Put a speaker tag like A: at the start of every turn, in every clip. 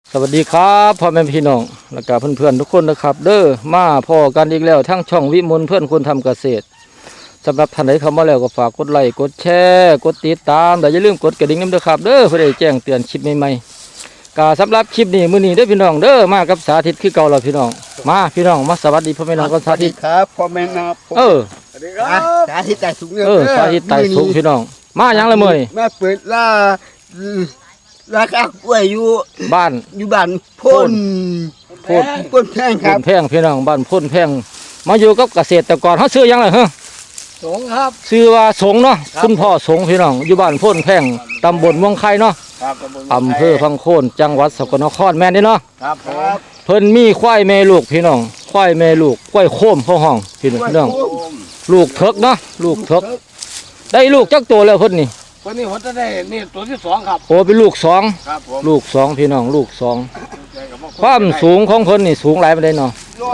A: สวัสดีครับพ่อแม่พี่น้องและก็เพื่อนๆทุกคนนะครับเด้อมาพอกันอีกแล้วทั้งช่องวิมลเพื่อนคนทำเกษตรสำหรับท่านใดเข้ามาแล้วก็ฝากกดไลค์กดแชร์กดติดตามแต่อย่าลืมกดกระดิ่งน้ำเด้อครับเด้อเพื่อได้แจ้งเตือนคลิปใหม่ๆก็สำหรับคลิปนี้มื้อนี้เด้อพี่น้องเด้อมากับสาธิตคือเก่าแล้วพี่น้องมาพี่น้องมาสวัสดีพ่อแม่น้องกันสาธิต
B: ครับพ่อแม่นะสวัสดีครับสาธิตไต่สูง
A: สาธิตไต่สูงพี่น้องมาหยังละมื้อนี่
B: มาเปิดราคากล้วยอยู่
A: บ้าน
B: พ่นแพงค
A: พ่
B: รับ
A: นแพงพี่น้องบ้านพ่นแพงมาอยู่กับเกษตรกรเฮาซื้อหยังล่ะฮะ
B: สงครับ
A: ชื่อว่าสงเนาะคุณพ่อสงพี่น้องอยู่บ้านโพ่นแพงตำบลเมืองไข่เนาะอำเภอพังโคนจังหวัดสกลนครแม่นนี่เนาะ
B: ครับ
A: เพิ่นมีควายแม่ลูกพี่น้องควายแม่ลูกควายโคมเข้าห้องพี่น้องลูกเถิกเนาะลูกเถิกได้ลูกจักตัวแล้วเพิ่นนี่
B: วันนี้ผมจะได้นี่ตัวที่2ครับ
A: โอ้เป็นลูก2
B: ครับผม
A: ลูก2พี่น้องลูก2ความสูงของเพิ่นนี่สูงหลายปานใดเนาะ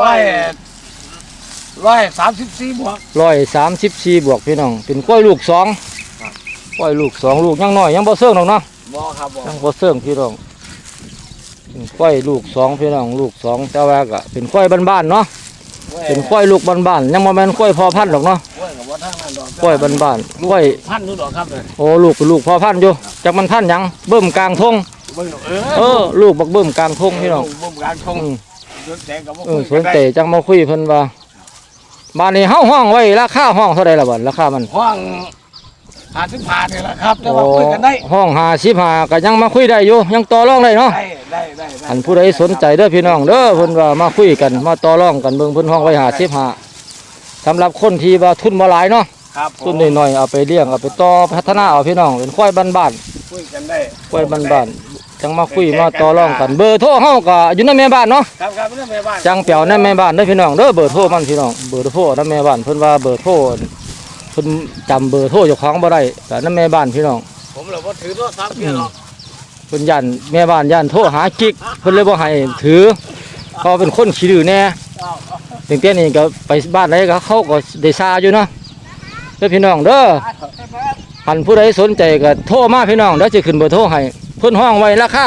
B: 134 บวก
A: 134บวกพี่น้องเป็นควายลูก2ควายลูก2ลูกยังน้อยยังบ่เซิงดอกเนาะ
B: บ่ครับบ่
A: ยังบ่เซิงพี่น้องเป็นควายลูก2พี่น้องลูก2แต่ว่าก็เป็นควายบ้านๆเนาะเป็นควายลูกบ้านๆยังบ่แม่นควายพ่อพันธุ์ดอกเนาะควายบ้านๆควาย
B: พันธุ์นู่นดอกครับ
A: โอ้ลูกเป็นลูกพ่อพันธุ์อยู่จักมันพันธุ์หยังเบิ่มกลางทงลูกบักเบิ่มกลางทงพี่น้อง
B: เบิ่มกลางทง
A: สวนเตจังมาคุยเพิ่นว่าบ้านนี้เฮาห้องไว้ราคาห้องเท่าใดล่ะบัดราคามัน
B: ห้อง55นี่แหละครับแต่ว่าคุยกันได้
A: ห้อง55ก็ยังมาคุยได้อยู่ยังต่อรองได้เนาะ
B: ได้
A: อันผู้ใดสนใจเด้อพี่น้องเด้อเพิ่นว่ามาคุยกันมาต่อรองกันเบิ่งเพิ่นห้องไว้55สำหรับคนที่ว่าทุนบ่หลายเนาะทุนน้อยๆเอาไปเลี้ยงเอาไปต่อพัฒนาเอาพี่น้องเป็นควายบ้าน
B: ๆคุยกันได้
A: ควายบ้านๆจังมาคุยมาต่อรองกันเบอร์โทรเฮาก็อยู่ในแม่บ้านเนาะ
B: ครับในแม่บ้าน
A: จังเปียวในแม่บ้านเด้อพี่น้องเด้อเบอร์โทรมันพี่น้องเบอร์โทรในแม่บ้านเพิ่นว่าเบอร์โทรเพิ่นจำเบอร์โทรเจ้าของบ่ได้แต่ในแม่บ้านพี่น้อง
B: ผมเลยบ่ถือโทรศัพท์เพี้ยหรอก
A: เพิ่นย่านแม่บ้านย่านโทรหากิ๊กเพิ่นเลยบ่ให้ถือเขาเป็นคนขี้ดื้อแน่ถึงแต่นี้ก็ไปบ้านไหนก็เขาก็ได้ซาอยู่เนาะเด้อพี่น้องเด้อหันผู้ใดสนใจก็โทรมาพี่น้องเดี๋ยวจะขึ้นเบอร์โทรให้เพิ่นห้องไว้ราคา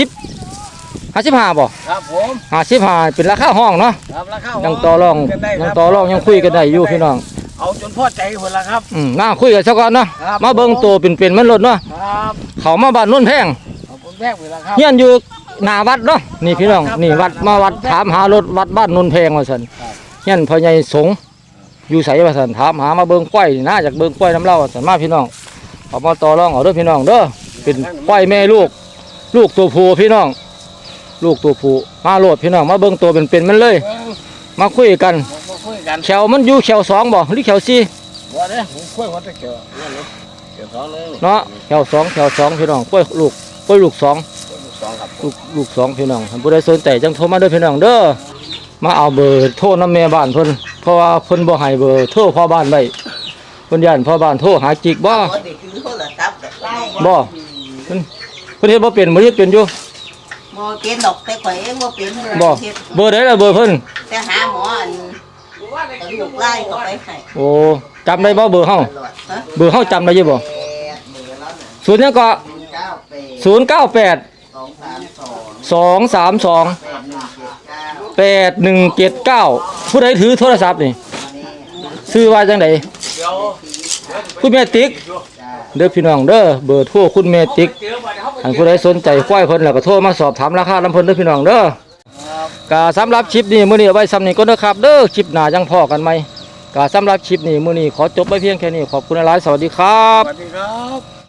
A: 55บ่
B: ครับผม
A: 55เป็นราคาห้องเนาะ
B: ครับราคา
A: ยังต่อรองยังคุยกันได้อยู่พี่น้อง
B: เอาจนพอใจพุ่นล่ะครับ
A: น่าคุยกันซะก่อนเนาะมาเบิ่งโตเป็นมันรถเนาะ
B: ครับ
A: เขามาบ้านโน่นแพง
B: แพงพุ่นล่ะครับ
A: เฮียนอยู่หน้าวัดเนาะนี่พี่น้องนี่วัดมาวัดถามหารถวัดบ้านโน่นแพงว่าซั่นเฮียนพ่อใหญ่สงอยู่ไสว่าซั่นถามหามาเบิ่งควายน่าจากเบิ่งควายน้ำเล่าว่าซั่นมาพี่น้องเอามาต่อรองเอาเด้อพี่น้องเด้อเป็นควายแม่ลูกตัวผู้พี่น้องลูกตัวผู้มาโลดพี่น้องมาเบิ่งตัวเป็นมันเลยมาคุยกันแขวมันอยู่แขว2บ่หรือแขว4
B: บ่เด้ผมคุยว่าแต่แขว2เลย
A: เนาะแขว2พี่น้องคุยลูก2
B: ครับ
A: ลูก2พี่น้องผู้ใดสนใจจังโทรมาเด้อพี่น้องเด้อมาเอาเบอร์โทรนำแม่บ้านเพิ่นเพราะว่าเพิ่นบ่ให้เบอร์โทรพ่อบ้านไว้เพิ่นย่านพ่อบ้านโทรหาจิกบ่เพิ่นเฮ็ดบ่เป็นบ่เฮ็ดเป็นอยู่
C: บ่เป็นดอกแต่ข่อยเองบ่เป็น
A: บ่เบอร์ใดล่ะเบอร์เพิ่น
C: แต่หาหมอลูกไล่ก็ไปให้
A: โอ้จำได้บ่เบอร์เฮาจำได้อยู่บ่0ยังก็098 232 8179ผู้ใดถือโทรศัพท์นี่ชื่อว่าจังได๋คุณแม่ติ๊กเด้อพี่น้องเด้อเบอร์โทรคุณแม่ติ๊กอันผู้ใดสนใจควายเพิ่นแล้วก็โทรมาสอบถามราคาลำเพิ่นเด้อพี่น้องเด้อก็สำหรับคลิปนี้มื้อนี้เอาไว้ซ้ำนี้ก่อนเด้อครับเด้อคลิปหน้ายังพอกันใหม่ก็สำหรับคลิปนี้มื้อนี้ขอจบไว้เพียงแค่นี้ขอบคุณหลายๆสวัสดีครับ
B: สวัสดีครับ